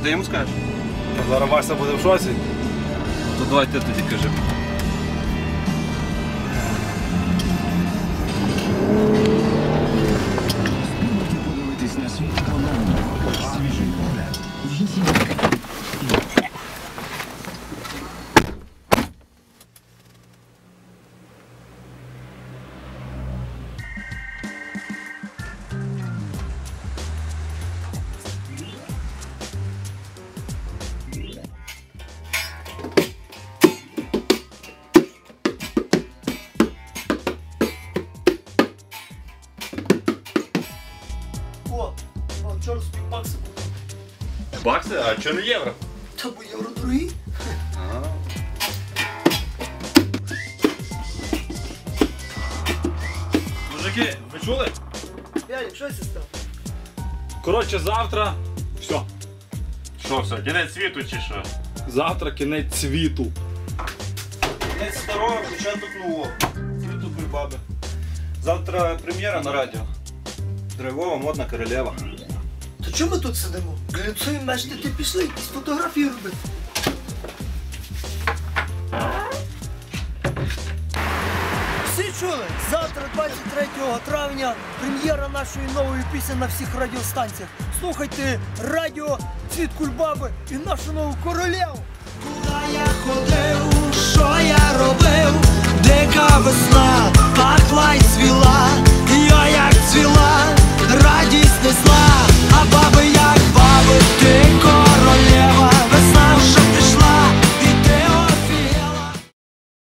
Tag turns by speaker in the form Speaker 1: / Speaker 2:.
Speaker 1: Ти йому скажеш?
Speaker 2: Зараз Вася буде в шоці.
Speaker 1: То давай ти тоді кажи.
Speaker 3: Подивитись на світ по-новому. Свіжий погляд.
Speaker 4: О, вчора собі бакси купив.
Speaker 1: Бакси? А чого не євро?
Speaker 4: Та бо євро дорогі.
Speaker 2: Мужики, ви чули?
Speaker 4: Ярик, що це став?
Speaker 2: Коротше, завтра... Все.
Speaker 5: Що все, кінець світу чи що?
Speaker 2: Завтра кінець світу.
Speaker 1: Кінець старого, початок нового. Світу Кульбаби. Завтра прем'єра на радіо. Драйвова, модна королева.
Speaker 4: То чому ми тут сидимо? Глянцуємо, мешти, ти пішли якісь фотографії робити. Всі чули? Завтра, 23 травня, прем'єра нашої нової пісні на всіх радіостанціях. Слухайте радіо «Цвіт Кульбаби» і нашу нову королеву. Куди я ходив, що я робив?